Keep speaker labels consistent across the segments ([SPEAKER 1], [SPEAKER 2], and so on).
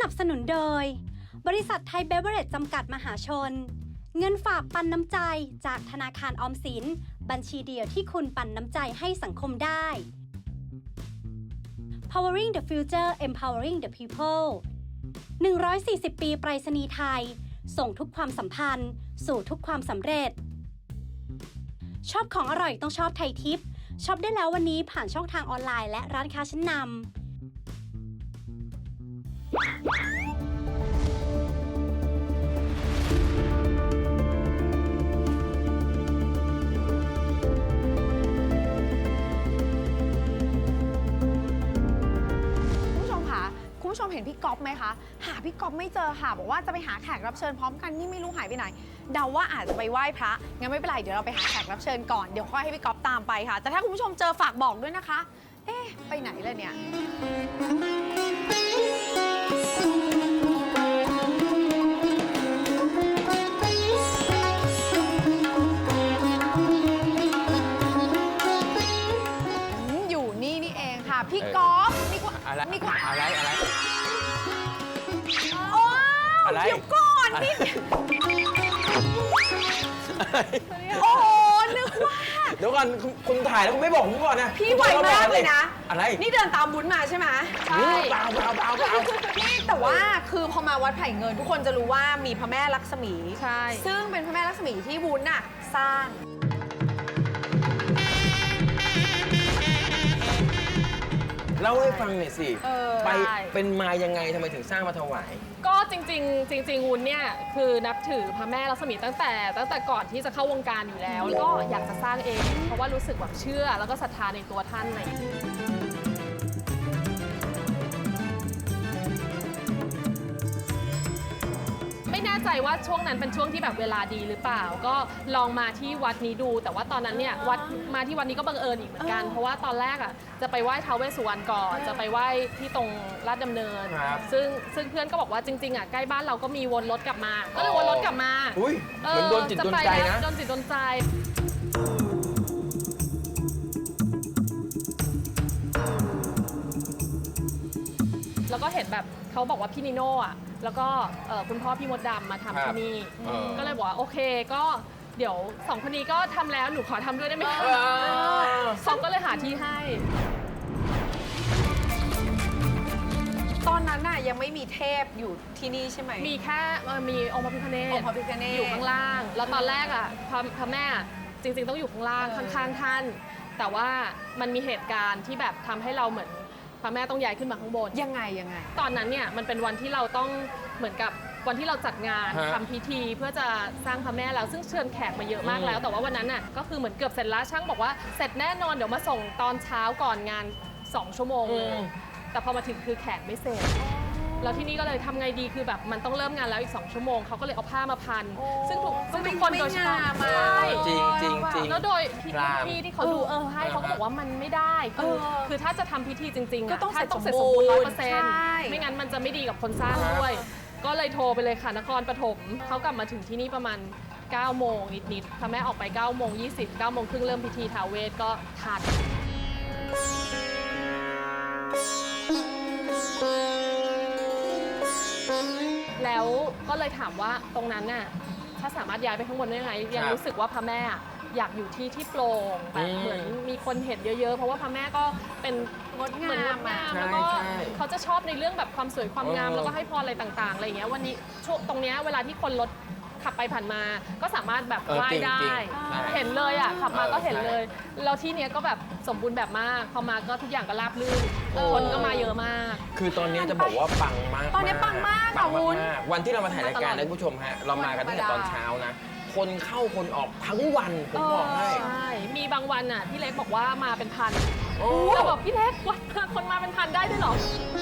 [SPEAKER 1] นับสนุนโดยบริษัทไทยเบเวอเรจจำกัดมหาชนเงินฝากปันน้ำใจจากธนาคารออมสินบัญชีเดียวที่คุณปันน้ำใจให้สังคมได้ Powering the Future Empowering the People 140 ปีไปรษณีย์ไทยส่งทุกความสัมพันธ์สู่ทุกความสำเร็จชอบของอร่อยต้องชอบไทยทิปช็อปได้แล้ววันนี้ผ่านช่องทางออนไลน์และร้านค้าชั้นนำ
[SPEAKER 2] คุณผู้ชมเห็นพี่ก๊อฟไหมคะหาพี่ก๊อฟไม่เจอค่ะบอกว่าจะไปหาแขกรับเชิญพร้อมกันนี่ไม่รู้หายไปไหนเดาว่าอาจจะไปไหว้พระงั้นไม่เป็นไรเดี๋ยวเราไปหาแขกรับเชิญก่อนเดี๋ยวค่อยให้พี่ก๊อฟตามไปค่ะแต่ถ้าคุณผู้ชมเจอฝากบอกด้วยนะคะเอ๊ะไปไหนเลยเนี่ยอยู่นี่นี่เองค่ะพี่ก๊อฟนี่กว่า
[SPEAKER 3] อะไร
[SPEAKER 2] นี่กว่า
[SPEAKER 3] อะไร
[SPEAKER 2] โอ้เดี๋ยวก่อนนี่โอ้โหนึกว่า
[SPEAKER 3] เดี๋ยวก่อนคุณถ่ายแล้วคุณไม่บอกผมก่อนนะ
[SPEAKER 2] พี่ไวมากเลยนะ
[SPEAKER 3] อะไร
[SPEAKER 2] นี่เดินตามวุ้นมาใช่ไหมใช่
[SPEAKER 3] เปล่า
[SPEAKER 2] นี่แต่ว่าคือพอมาวัดไผ่เงินทุกคนจะรู้ว่ามีพระแม่ลักษมี
[SPEAKER 4] ใช่
[SPEAKER 2] ซึ่งเป็นพระแม่ลักษมีที่วุ้นน่ะสร้าง
[SPEAKER 3] เล่าให้ฟังหน่อยสิไป
[SPEAKER 4] ได้
[SPEAKER 3] เป็นมายังไงทำไมถึงสร้างมาถวาย
[SPEAKER 4] ก็จริงวุ้นเนี่ยคือนับถือพระแม่ลักษมีตั้งแต่ก่อนที่จะเข้าวงการอยู่แล้วแล้วก็อยากจะสร้างเองเพราะว่ารู้สึกแบบเชื่อแล้วก็ศรัทธาในตัวท่านอะไรอย่างเงี้ยไม่แน่ใจว่าช่วงนั้นเป็นช่วงที่แบบเวลาดีหรือเปล่าก็ลองมาที่วัดนี้ดูแต่ว่าตอนนั้นเนี่ยมาที่วัดนี้ก็บังเอิญอีกเหมือนกันเพราะว่าตอนแรกอ่ะจะไปไหว้ท้าวเวสสุวรรณก่อนจะไปไหว้ที่ตรงลาดดำเนินซึ่งเพื่อนก็บอกว่าจริงๆอ่ะใกล้บ้านเราก็มีวนรถกลับมาก็เลยวนรถกลับมา
[SPEAKER 3] อุ้ยเหมือนโดนจิตโดนใจนะ
[SPEAKER 4] โดนจิตโดนใจแล้วก็เห็นแบบเขาบอกว่าพี่นิโน่อะแล้วก็คุณพ่อพี่มดดำมาทำที่นี่ก็เลยบอกว่าโอเคก็เดี๋ยวสองคนนี้ก็ทำแล้วหนูขอทำด้วยได้ไหมคะสองก็เลยหาที่ให้
[SPEAKER 2] ตอนนั้นน่ะยังไม่มีเทพอยู่ที่นี่ใช่ไหม
[SPEAKER 4] มีแค่มีองค์พระพิฆเนศอยู่ข้างล่างแล้วตอนแรกอ่ะพระแม่จริงๆต้องอยู่ข้างล่างข้างๆท่านแต่ว่ามันมีเหตุการณ์ที่แบบทำให้เราเหมือนพระแม่ต้องย้ายขึ้นมาข้างบน
[SPEAKER 2] ยังไง
[SPEAKER 4] ตอนนั้นเนี่ยมันเป็นวันที่เราต้องเหมือนกับวันที่เราจัดงานทำพิธีเพื่อจะสร้างพระแม่แล้วซึ่งเชิญแขกมาเยอะมากแล้วแต่ว่าวันนั้นน่ะก็คือเหมือนเกือบเสร็จแล้วช่างบอกว่าเสร็จแน่นอนเดี๋ยวมาส่งตอนเช้าก่อนงาน2 ชั่วโมงเลยแต่พอมาถึงคือแขกไม่เสร็จแล้วที่นี่ก็เลยทำไงดีคือแบบมันต้องเริ่มงานแล้วอีก2 ชั่วโมงเขาก็เลยเอาผ้ามาพันซึ่งทุกคนโดยเฉพาะ
[SPEAKER 3] จริง
[SPEAKER 4] แล้วโดยพี่ที่เขาดูให้เขาก็บอกว่ามันไม่ได้คือถ้าจะทำพิธีจริงๆ
[SPEAKER 2] ก็ต้องเสร็จ
[SPEAKER 4] สมบูรณ์ 100%ไม่งั้นมันจะไม่ดีกับคนสร้างด้วยก็เลยโทรไปเลยค่ะนครปฐมเขากลับมาถึงที่นี่ประมาณ9 โมงนิดๆพระแม่ออกไป9 โมง 20 9 โมงครึ่งเริ่มพิธีท้าวเวสก็ทันแล้วก็เลยถามว่าตรงนั้นน่ะถ้าสามารถย้ายไปข้างบนได้ไหมยังรู้สึกว่าพระแม่อยากอยู่ที่โปร่งแบบเหมือนมีคนเห็นเยอะๆเพราะว่าพระแม่ก็เป็น
[SPEAKER 2] งดงาม
[SPEAKER 4] แล้วก็เขาจะชอบในเรื่องแบบความสวยความงามแล้วก็ให้พรอะไรต่างๆอะไรอย่างเงี้ยวันนี้ช่วงตรงเนี้ยเวลาที่คนรถขับไปผ่านมาก็สามารถแบบไหว้ได้เห็นเลยอ่ะขับมาก็เห็นเลยแล้วที่เนี้ยก็แบบสมบูรณ์แบบมากพอมาก็ทุกอย่างก็ราบรื่นคนก็มาเยอะมาก
[SPEAKER 3] คือตอนนี้จะบอกว่าปังมาก
[SPEAKER 2] ตอนนี้ปังมากค่ะวุ้น
[SPEAKER 3] วันที่เรามาถ่ายรายการนะคุณผู้ชมฮะเรามากันตั้งแต่ตอนเช้านะคนเข้าคนออกทั้งวันผมบอกให้
[SPEAKER 4] ใช่มีบางวันอ่ะพี่เล็กบอกว่ามาเป็นพันเราบอกพี่เล็กวันคนมาเป็นพันได้ด้วยเหรอ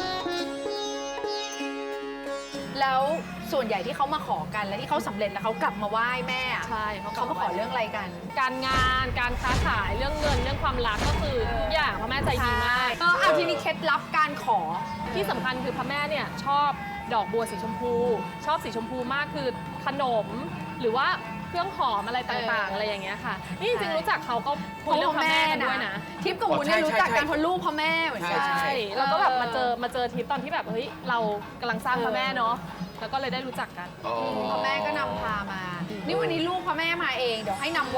[SPEAKER 2] แล้วส่วนใหญ่ที่เขามาขอกันและที่เขาสำเร็จแล้วเขากลับมาไหว้แม่
[SPEAKER 4] ใช่
[SPEAKER 2] เขามาขอเรื่องอะไรกัน
[SPEAKER 4] การงานการค้าขายเรื่องเงินเรื่องความรักก็คือทุกอย่างพระแม่ใจดีมาก
[SPEAKER 2] ทีนี้เคล็ดลับการขอ
[SPEAKER 4] ที่สำคัญคือพระแม่เนี่ยชอบดอกบัวสีชมพูชอบสีชมพูมากคือขนมหรือว่าเครื่องหอมอะไรต่างๆอะไรอย่างเงี้ยค่ะ นี่จริงๆรู้จักเขาก็คุยเรื่องพระแม่กันด้วยนะ
[SPEAKER 2] ทิพย์กับวุ้นเนี่ยรู้จักกันเพราะลูกพ่อแม่เหมือนกัน
[SPEAKER 3] ใช่
[SPEAKER 4] ใช่แล้วก็แบบมาเจอทิปตอนที่แบบเฮ้ยเรากำลังสร้างพระแม่เนาะแล้วก็เลยได้รู้จักกัน
[SPEAKER 3] อ๋อ
[SPEAKER 2] พ่อแม่ก็นำพามา นี่วันนี้ลูกพ่อแม่มาเอง เดี๋ยวให้นำไหว้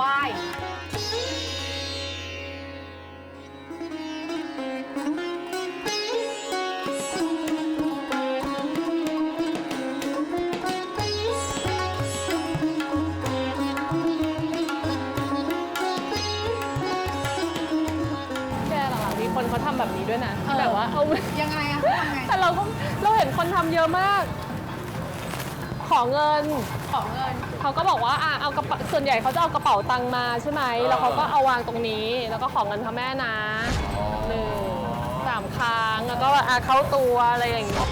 [SPEAKER 4] แกเหรอคะมีคนเขาทำแบบนี้ด้วยนะที่แบบว่าเอา
[SPEAKER 2] ยังไงอะเขาทำไง
[SPEAKER 4] แต่เราเห็นคนทำเยอะมาก ขอเงิน
[SPEAKER 2] ขอเงิน
[SPEAKER 4] เขาก็บอกว่าเอากระเป๋าส่วนใหญ่เขาจะเอากระเป๋าตังค์มาใช่ไหมแล้วเขาก็เอาวางตรงนี้ แล้วก็ขอเงินพระแม่นะ3 ครั้งแล้วก็เข้าตัวอะไรอย่างเงี้ย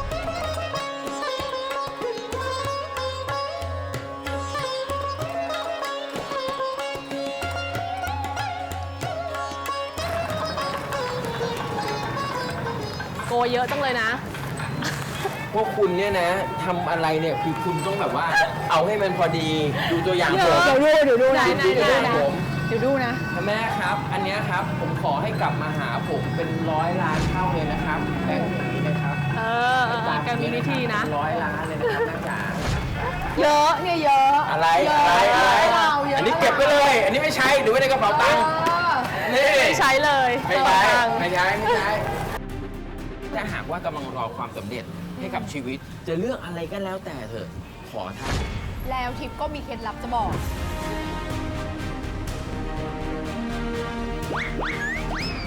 [SPEAKER 4] โกยเยอะจังเลยนะ
[SPEAKER 3] พวกคุณเนี่ยนะทำอะไรเนี่ยคือคุณต้องแบบว่าเอาให้มันพอดีดูตัวอย่างผม
[SPEAKER 2] เดี๋ยวดูนะ
[SPEAKER 3] ดูตัวอย่างผม
[SPEAKER 2] เดี๋ยวดูนะ
[SPEAKER 3] แม่ครับ อันเนี้ยครับผมขอให้กลับมาหาผมเป็น100 ล้านเท่าเลยนะครับแบ่งอย่างนี้นะครับ
[SPEAKER 4] แกมีวิธีนะ
[SPEAKER 3] 100 ล้านเลยนะครับแม่จ๋า
[SPEAKER 2] เยอะเนี่ยเยอะ
[SPEAKER 3] อะไร
[SPEAKER 2] เย
[SPEAKER 3] อะไร
[SPEAKER 2] เยอะ
[SPEAKER 3] อันนี้เก็บไปเลย อันนี้ไม่ใช่หรือไว้ในกระเป๋าตังค์นี่
[SPEAKER 4] ไม่ใช้เลย
[SPEAKER 3] ไม่
[SPEAKER 4] กระ
[SPEAKER 3] ใช่
[SPEAKER 4] เป๋าตังค์
[SPEAKER 3] ไม่ใช่ไม่ใช่ถ้าหากว่ากำลังรอความสำเร็จให้กับชีวิต จะเลือกอะไรก็แล้วแต่เถอะขอท่าน
[SPEAKER 2] แล้วทิพย์ก็มีเคล็ดลับจะบอก